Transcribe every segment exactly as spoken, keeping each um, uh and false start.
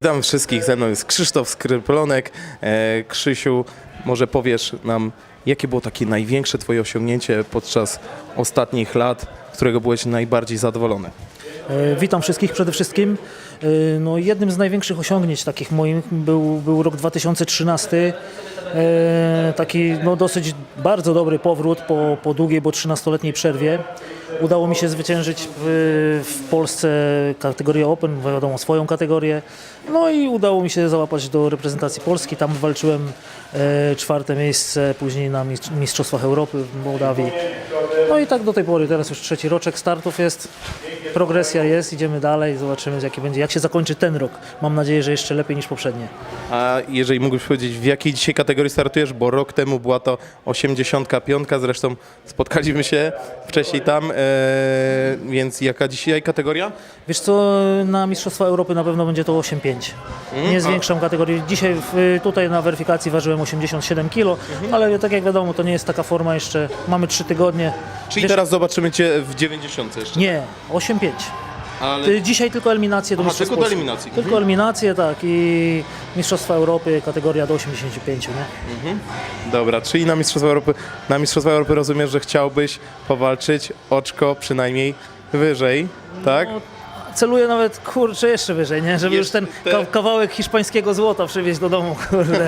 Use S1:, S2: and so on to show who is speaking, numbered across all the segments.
S1: Witam wszystkich, ze mną jest Krzysztof Skryplonek. E, Krzysiu, może powiesz nam, jakie było takie największe twoje osiągnięcie podczas ostatnich lat, z którego byłeś najbardziej zadowolony?
S2: E, Witam wszystkich przede wszystkim. E, No, jednym z największych osiągnięć takich moich był, był rok dwa tysiące trzynasty. E, Taki no, dosyć bardzo dobry powrót po, po długiej, bo trzynastoletniej przerwie. Udało mi się zwyciężyć w, w Polsce kategorię Open, wiadomo, swoją kategorię. No i udało mi się załapać do reprezentacji Polski. Tam walczyłem e, czwarte miejsce, później na mistrz- Mistrzostwach Europy w Mołdawii. No i tak do tej pory, teraz już trzeci roczek startów jest, progresja jest, idziemy dalej, zobaczymy jaki będzie, jak się zakończy ten rok. Mam nadzieję, że jeszcze lepiej niż poprzednie.
S1: A jeżeli mógłbyś powiedzieć, w jakiej dzisiaj kategorii startujesz, bo rok temu była to osiemdziesiątka piątka, zresztą spotkaliśmy się wcześniej tam, e, więc jaka dzisiaj kategoria?
S2: Wiesz co, na Mistrzostwa Europy na pewno będzie to osiem pięć. Nie zwiększam kategorii. Dzisiaj w, tutaj na weryfikacji ważyłem osiemdziesiąt siedem kilo, ale tak jak wiadomo, to nie jest taka forma jeszcze, mamy trzy tygodnie.
S1: Czyli
S2: Wiesz,
S1: teraz zobaczymy cię w dziewięćdziesiątce jeszcze.
S2: Nie, osiem pięć.
S1: Ale...
S2: Ty- Dzisiaj tylko eliminacje do
S1: Aha,
S2: Mistrzostw
S1: tylko do
S2: Polski.
S1: eliminacji.
S2: Tylko
S1: Mhm.
S2: eliminacje, tak, i Mistrzostwa Europy, kategoria do osiemdziesięciu pięciu, nie?
S1: Dobra, czyli na Mistrzostwa Europy, na Mistrzostwa Europy rozumiesz, że chciałbyś powalczyć oczko przynajmniej wyżej, tak?
S2: No, celuję nawet, kurczę, jeszcze wyżej, nie? Żeby już ten
S1: Jeszcze-
S2: ka- kawałek hiszpańskiego złota przywieźć do domu, kurde.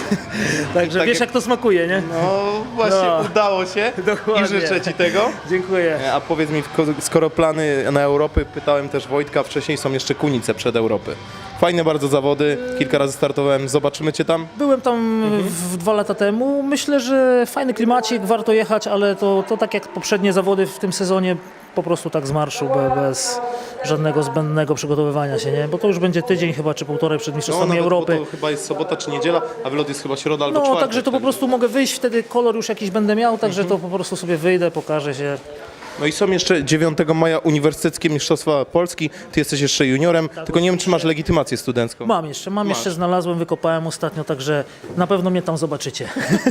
S2: Także
S1: Tak
S2: wiesz,
S1: jak-
S2: jak to smakuje, nie?
S1: No właśnie,
S2: No.
S1: udało się
S2: Dokładnie.
S1: i życzę ci tego.
S2: Dziękuję.
S1: A powiedz mi, ko- skoro plany na Europy, pytałem też Wojtka, wcześniej są jeszcze Kunice przed Europy. Fajne bardzo zawody, kilka razy startowałem, zobaczymy cię tam.
S2: Byłem tam w, dwa lata temu. Myślę, że fajny klimacik, warto jechać, ale to, to tak jak poprzednie zawody w tym sezonie, po prostu tak z marszu, be, bez żadnego zbędnego przygotowywania się, nie? Bo to już będzie tydzień chyba, czy półtorej przed Mistrzostwami
S1: nawet,
S2: Europy.
S1: bo to chyba jest sobota czy niedziela, a wylot jest chyba środa albo
S2: No,
S1: czwartek.
S2: także to po prostu mogę wyjść, wtedy kolor już jakiś będę miał, także to po prostu sobie wyjdę, pokażę się.
S1: No i są jeszcze dziewiątego maja Uniwersyteckie Mistrzostwa Polski, ty jesteś jeszcze juniorem, tylko nie wiem, czy masz legitymację studencką.
S2: Mam jeszcze, mam
S1: Masz.
S2: jeszcze, znalazłem, wykopałem ostatnio, także na pewno mnie tam zobaczycie.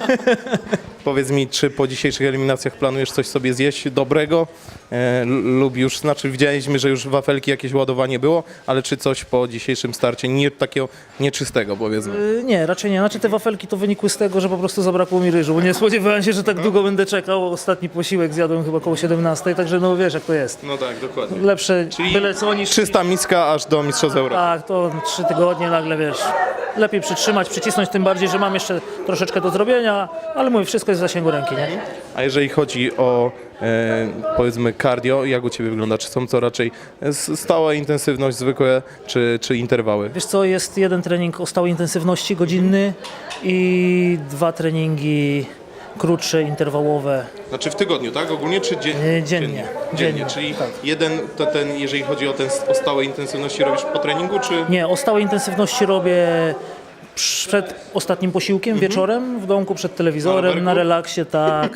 S1: Powiedz mi, czy po dzisiejszych eliminacjach planujesz coś sobie zjeść dobrego e, l- lub już, znaczy widzieliśmy, że już wafelki jakieś ładowanie było, ale czy coś po dzisiejszym starcie nie takiego nieczystego, powiedzmy?
S2: Y, Nie, raczej nie. Znaczy te wafelki to wynikły z tego, że po prostu zabrakło mi ryżu. Nie spodziewałem się, że tak długo będę czekał. Ostatni posiłek zjadłem chyba koło siedemnastej, także no wiesz jak to jest.
S1: No tak, dokładnie.
S2: Lepsze
S1: Czyli
S2: byle co niż...
S1: Czysta miska aż do Mistrzostw Europy.
S2: Tak, to trzy tygodnie nagle, wiesz, lepiej przytrzymać, przycisnąć, tym bardziej, że mam jeszcze troszeczkę do zrobienia, ale mówię, wszystko jest w zasięgu ręki, nie?
S1: A jeżeli chodzi o e, powiedzmy cardio, jak u Ciebie wygląda? Czy są to raczej s- stała intensywność, zwykłe, czy, czy interwały?
S2: Wiesz co, jest jeden trening o stałej intensywności godzinny i dwa treningi krótsze, interwałowe.
S1: Znaczy w tygodniu, tak? Ogólnie czy dzie-
S2: Nie, dziennie.
S1: dziennie? Dziennie,
S2: Dziennie,
S1: czyli
S2: tak.
S1: jeden, to ten, jeżeli chodzi o ten o stałej intensywności, robisz po treningu, czy...
S2: Nie, o stałej intensywności robię przed ostatnim posiłkiem, wieczorem, w domku przed
S1: Na
S2: telewizorem,
S1: rowerku?
S2: na relaksie, tak.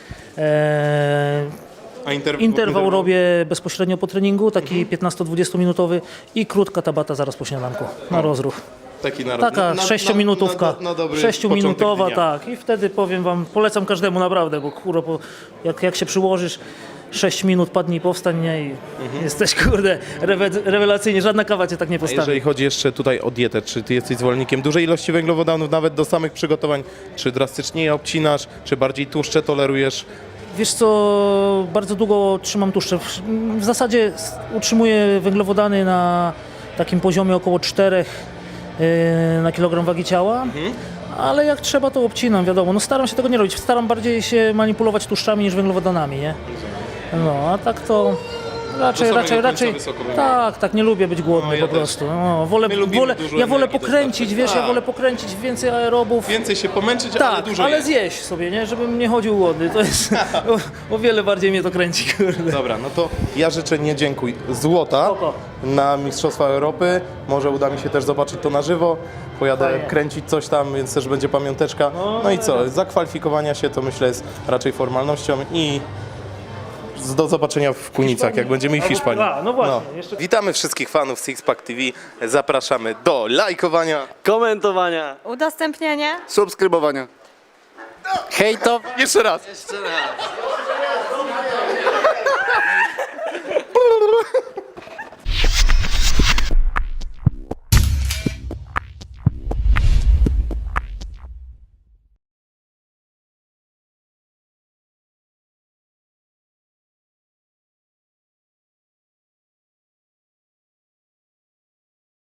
S2: Eee,
S1: A interw-
S2: interwał robię bezpośrednio po treningu, taki piętnasto-dwudziesto minutowy i krótka tabata zaraz po śniadanku, na rozruch.
S1: Taki na,
S2: Taka
S1: na, na,
S2: sześciominutówka,
S1: na, na, na dobry
S2: sześciominutowa,
S1: początek dnia.
S2: tak. I wtedy powiem wam, polecam każdemu naprawdę, bo kurwa, po, jak, jak się przyłożysz, sześć minut padnij, powstań, nie, i jesteś, kurde, rewe, rewelacyjnie, żadna kawa cię tak nie
S1: A
S2: postawi.
S1: jeżeli chodzi jeszcze tutaj o dietę, czy ty jesteś zwolennikiem dużej ilości węglowodanów, nawet do samych przygotowań, czy drastycznie je obcinasz, czy bardziej tłuszcze tolerujesz?
S2: Wiesz co, bardzo długo trzymam tłuszcze. W- W zasadzie s- utrzymuję węglowodany na takim poziomie około czterech yy, na kilogram wagi ciała, ale jak trzeba, to obcinam, wiadomo. No staram się tego nie robić, staram bardziej się manipulować tłuszczami niż węglowodanami, nie? No, a tak to raczej,
S1: samego
S2: raczej,
S1: końca
S2: raczej,
S1: wysoko węglowodanów.
S2: tak, tak, nie lubię być głodny
S1: No, ja
S2: po
S1: też.
S2: prostu. No, wolę,
S1: My lubimy
S2: wolę,
S1: dużo
S2: ja wolę
S1: energii
S2: pokręcić,
S1: dostarczyć.
S2: wiesz, ja
S1: Tak.
S2: wolę pokręcić więcej aerobów.
S1: Więcej się pomęczyć, ale
S2: Tak,
S1: dużo
S2: ale
S1: jeść.
S2: zjeść sobie, nie? Żebym nie chodził głodny. To jest o, o wiele bardziej mnie to kręci, kurde.
S1: Dobra, no to ja życzę, nie dziękuj, złota
S2: Spoko.
S1: na Mistrzostwa Europy. Może uda mi się też zobaczyć to na żywo. Pojadę
S2: Fajnie.
S1: kręcić coś tam, więc też będzie pamiąteczka. No i co, zakwalifikowania się to myślę jest raczej formalnością i z- do zobaczenia w Kunicach, jak będziemy i w
S2: Albo-
S1: Hiszpanii.
S2: A, no właśnie, jeszcze-
S1: Witamy wszystkich fanów Sixpack T V. Zapraszamy do lajkowania.
S3: Komentowania.
S4: Udostępnianie.
S5: Subskrybowania.
S3: Hejtowania.
S1: Jeszcze raz.
S3: Jeszcze raz.